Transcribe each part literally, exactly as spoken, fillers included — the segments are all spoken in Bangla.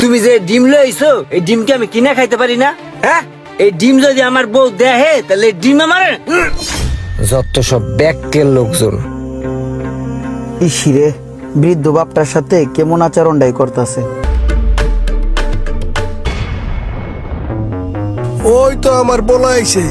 তুমি যে ডিম লইছো এই ডিম কি আমি কিনা খাইতে পারি না? হ্যাঁ, এই ডিম যদি আমার বউ দেহে তাহলে এই ডিম আমার উম, যত সব ব্যাকের লোকজন। ইসিরে বৃদ্ধ বাপটার সাথে কেমন আচরণটাই করতেছে। ওই তো আমার বলা আইছে।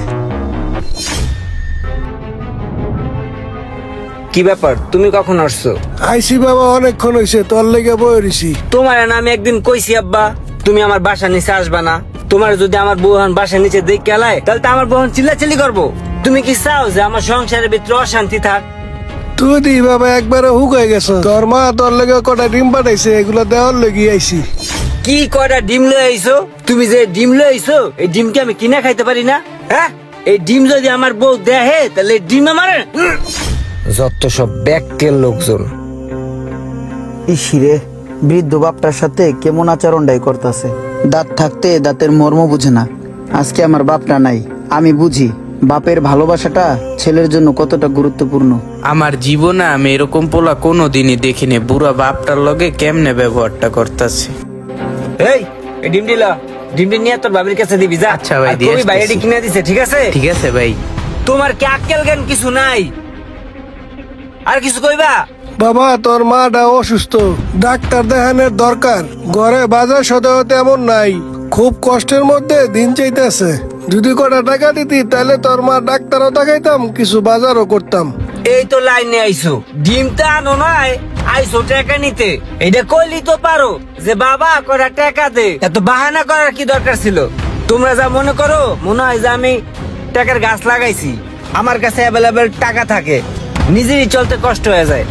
কি ব্যাপার, তুমি কখন আসছো? আইসি বাবা, অনেকক্ষণ হয়েছে, তোর লেগে বই রইছি। তোমার না আমি একদিন কইছি আব্বা তুমি আমার বাসার নিচে আসবা না। তোমার যদি আমার বউহান বাসার নিচে দেখ কেলায় তাহলে তো আমার বউহান চিল্লাচিল্লি করবো। তুমি কি চাও যে আমার সংসারের ভিতরে অশান্তি থাক? তুই দি বাবা একবারে হুকাই গেছ। তোর মা তোর লেগে কটা ডিম পাঠাইছে, এগুলো দেওয়ার লেগে আইছি। কি কয়টা ডিম লয়ে আইছো? তুমি যে ডিম লয়ে আইছো এই ডিম কি আমি কিনা খাইতে পারি না? হ্যাঁ, এই ডিম যদি আমার বউ দেহে তাহলে এই ডিম আমার উম, যত সব ব্যাকের লোকজন। ইসিরে বৃদ্ধ বাপটার সাথে কেমন আচরণটাই করতেছে। দাঁত থাকতে দাঁতের মর্ম বুঝে না। আজকে আমার বাপটা নাই, আমি বুঝি বাপের ভালোবাসাটা ছেলের জন্য কতটা গুরুত্বপূর্ণ। আমার জীবনে আমি এরকম পোলা কোনোদিনই দেখিনি। বুড়া বাপটার লগে কেমনে ব্যবহারটা করতেছে। এই এই ডিম দিলা, ডিমটি নিয়ে তোর বাবির কাছে দিবি যা। আচ্ছা ভাই, আর দিয়ে কবি বাইরে আসতেছি। কিনে দিছে, ঠিক আছে? ঠিক আছে ভাই। তোমার কি আক্কেল জ্ঞান কিছু নাই? আর কিছু কইবা? বাবা তোর মাটা অসুস্থ, ডাক্তার দেখানোর দরকার। ঘরে বাজার সদাও তেমন নাই, খুব কষ্টের মধ্যে দিন চাইতেছে। যদি কটা টাকা দিতি তাহলে তোর মা ডাক্তারও দেখাইতাম, কিছু বাজারও করতাম। এই তো লাইনে আইছো, ডিমটা আনো নাই, আইছো টাকা নিতে। এটা কইলি তো পারো যে বাবা করা টাকা দে, এত বাহানা করার কি দরকার ছিল? তোমরা যা মনে করো, মনে হয় যে আমি টাকার গাছ লাগাইছি, আমার কাছে অ্যাভেলেবেল টাকা থাকে, নিজেরই চলতে কষ্ট হয়ে যায়।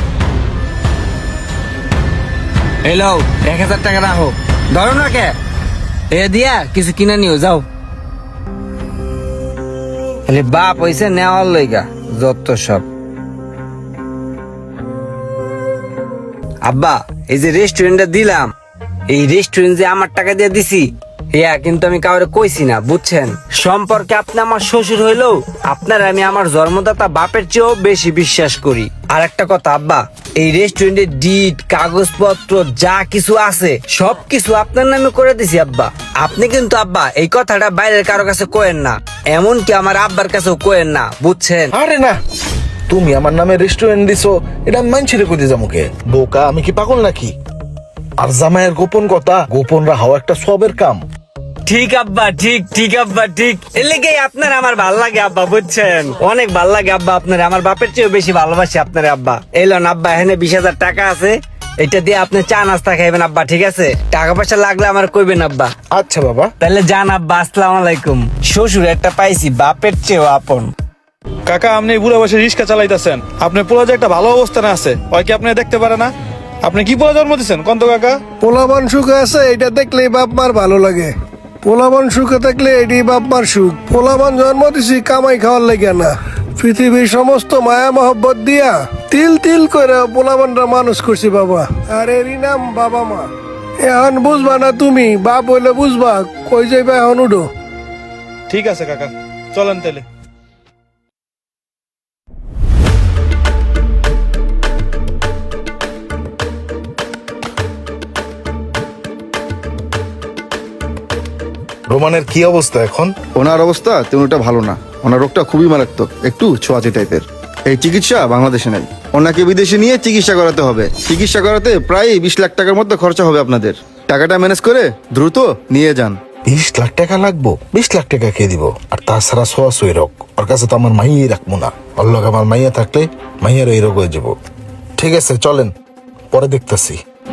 এলো এক হাজার টাকা রাখো, ধরো না কে এ দিয়া কিছু কিনে নিও যাও। খালি বাপ হইছে নেওয়ার লইগা যত সব। আব্বা এই যে রেস্টুরেন্টটা দিলাম, এই রেস্টুরেন্ট যে আমার টাকা দিয়ে দিছি, ইয়া কিন্তু আমি কাউরে কইছি না, বুঝছেন? সম্পর্কে আপনি আমার শ্বশুর হইলেও আপনার আমি আমার জন্মদাতা বাপের চেয়েও বেশি বিশ্বাস করি। আর একটা কথা আব্বা, এই রেস্টুরেন্টের ডিট কাগজপত্র যা কিছু আছে সবকিছু আপনার নামে করে দিছি আব্বা। আপনি কিন্তু আব্বা এই কথাটা বাইরের কারো কাছে কোয়েন না, এমনকি আমার আব্বার কাছেও কোয়েন না, বুঝছেন? আরে না, তুমি আমার নামে রেস্টুরেন্ট দিছো, এটা আমি মানছি কইতে যামুকে? বোকা, আমি কি পাগল নাকি? আর জামাইয়ের গোপন কথা গোপন রাখাও একটা সবের কাম। ঠিক আব্বা, ঠিক ঠিক আব্বা, ঠিক। এর লেগেই আপনার আমার ভাল লাগে আব্বা, বুঝছেন? অনেক ভাল লাগে আব্বা আপনার, আমার বাপের চেয়েও বেশি ভালোবাসি আপনার আব্বা। এলেন আব্বা, এখানে বিশ হাজার টাকা আছে, এটা দিয়ে আপনি চা নাস্তা খাইবেন আব্বা, ঠিক আছে? টাকা পয়সা লাগলে আমার কইবেন আব্বা। আচ্ছা বাবা। তাহলে যান আব্বা, আসসালামু আলাইকুম। শ্বশুর একটা পাইছি বাপের চেয়েও আপন। কাকা, আপনি বুড়া বসে রিক্সা চালাইতেছেন, আপনার পোলা যে একটা ভালো অবস্থানে আছে, ওই কি আপনি দেখতে পারে না? আপনি কি পোলা জন্ম দিচ্ছেন কন্ত কাকা? পোলাবান সুখে আছে, এটা দেখলেই বাপ মার ভালো লাগে। পোলাবান সুখে থাকলে এটি বাপ মার সুখ। পোলাবান জন্ম দিছি কামাই খাওয়ার লাগে না, পৃথিবীর সমস্ত মায়া মহব্বত দিয়া তিল তিল করে পোলাবানরা মানুষ করছি বাবা। আর এরই নাম বাবা মা। এখন বুঝবা না তুমি, বাপ হইলে বুঝবা। কই যাইবা এখন উঠো। ঠিক আছে কাকা, চলেন তাহলে। রোমানের কি অবস্থা এখন? ওনার অবস্থা তেমনটা ভালো না, ওনার রোগটা খুবই মারাত্মক, একটু ছোঁয়াচে টাইপের। এই চিকিৎসা বাংলাদেশে নাই, ওনাকে বিদেশে নিয়ে চিকিৎসা করাতে হবে। চিকিৎসা করাতে প্রায় বিশ লাখ টাকার মতো খরচা হবে আপনাদের। টাকাটা ম্যানেজ করে দ্রুত নিয়ে যান। বিশ লাখ টাকা লাগবো? বিশ লাখ টাকা কে দিব? আর তাছাড়া সোয়া সই রোগ, ওর কাছে তো আমার মাইয়াই রাখবো না। ওর লোক আমার মাইয়া থাকলে মাইয়ার এই রোগ হয়ে যাবো। ঠিক আছে চলেন, পরে দেখতেছি।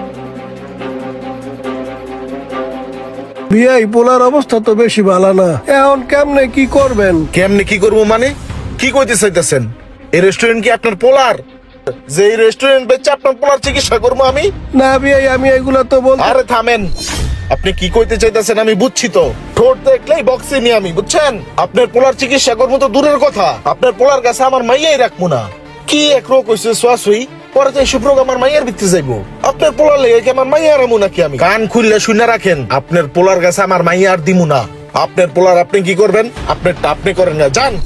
বিয়াই পোলার অবস্থা তো বেশি ভালো না, এখন কেমনে কি করবেন? কেমনে কি করবো মানে? কি কইতে চাইতেছেন? এই রেস্টুরেন্ট কি আপনার পোলার? যে এই রেস্টুরেন্ট বেচে আপনার পোলার চিকিৎসা করবো আমি? না বিয়াই, আমি এগুলা তো বল। আরে থামেন, আপনি কি কইতে চাইতেছেন আমি বুঝছি তো। ঠোঁট দেখলেই বক্সে নি আমি, বুঝছেন? আপনার পোলার চিকিৎসা করবো তো দূরের কথা, আপনার পোলার কাছে আমার মাইয়াই রাখবো না। কি এক রোগ হয়েছে সোয়াশুই, পরে তো এইসব রোগ আমার মাইয়ার ভিতরে যাইবো। আপনার পোলার লেগে কি আমার মাইয়া রামু নাকি আমি? কান খুললে শুনে রাখেন, আপনার পোলার কাছে আমার মাইয়া আর দিমু না। আপনার পোলার আপনি কি করবেন, আপনারটা আপনি করেন না, যান।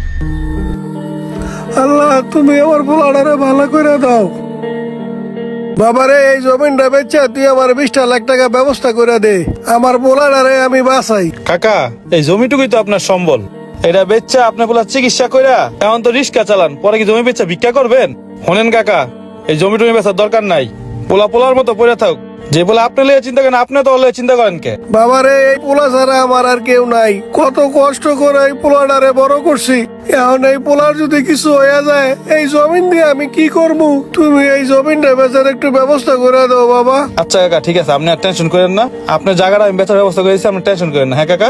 আল্লাহ, তুমি আমার পোলাটারে ভালো করে দাও। বাবারে এই জমিনটা বেচা তুই আমার বিশটা লাখ টাকা ব্যবস্থা করে দে, আমার পোলাটারে আমি বাঁচাই। কাকা এই জমিটুকুই তো আপনার সম্বল, এটা বেচা আপনি বলা চিকিৎসা কইরা এখন তো রিক্সা চালান, পরে কি জমি বেচা ভিক্ষা করবেন? শোনেন কাকা, এই জমি টমি বেচার দরকার নাই, পোলা পোলার মতো পড়ে থাক। যে বলে আপনি লিয়ে চিন্তা করেন, আপনি তো লিয়ে চিন্তা করেন কে? বাবারে এই পোলা ছাড়া আমার আর কেউ নাই, কত কষ্ট করে এই পোলাটারে বড় করছি, এখন এই পোলার যদি কিছু হয়ে যায় এই জমিন দিয়ে আমি কি করব? তুমি এই জমিনটা বেচার একটু ব্যবস্থা করে দাও বাবা। আচ্ছা কাকা ঠিক আছে, আপনি আর টেনশন করেন না, আপনার জায়গাটা আমি বেচার ব্যবস্থা করেছি, আপনি টেনশন করেন না। হ্যাঁ কাকা,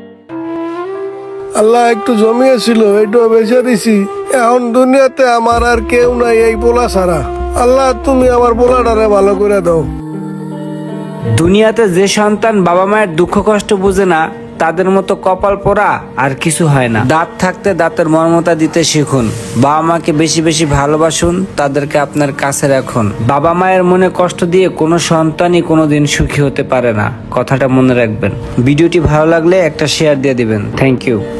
আল্লাহ একটু জমিয়েছিল এইটা বেচে দিছি, এখন দুনিয়াতে আমার আর কেউ নাই এই পোলা ছাড়া। আল্লাহ তুমি আমার পোলাটারে ভালো করে দাও। দুনিয়াতে যে সন্তান বাবা মায়ের দুঃখ কষ্ট বুঝে না তাদের মতো কপাল পোড়া আর কিছু হয় না। দাঁত থাকতে দাঁতের মর্মতা দিতে শিখুন, বাবা মাকে বেশি বেশি ভালোবাসুন, তাদেরকে আপনার কাছে রাখুন। বাবা মায়ের মনে কষ্ট দিয়ে কোনো সন্তানই কোনোদিন সুখী হতে পারে না, কথাটা মনে রাখবেন। ভিডিওটি ভালো লাগলে একটা শেয়ার দিয়ে দিবেন। Thank you.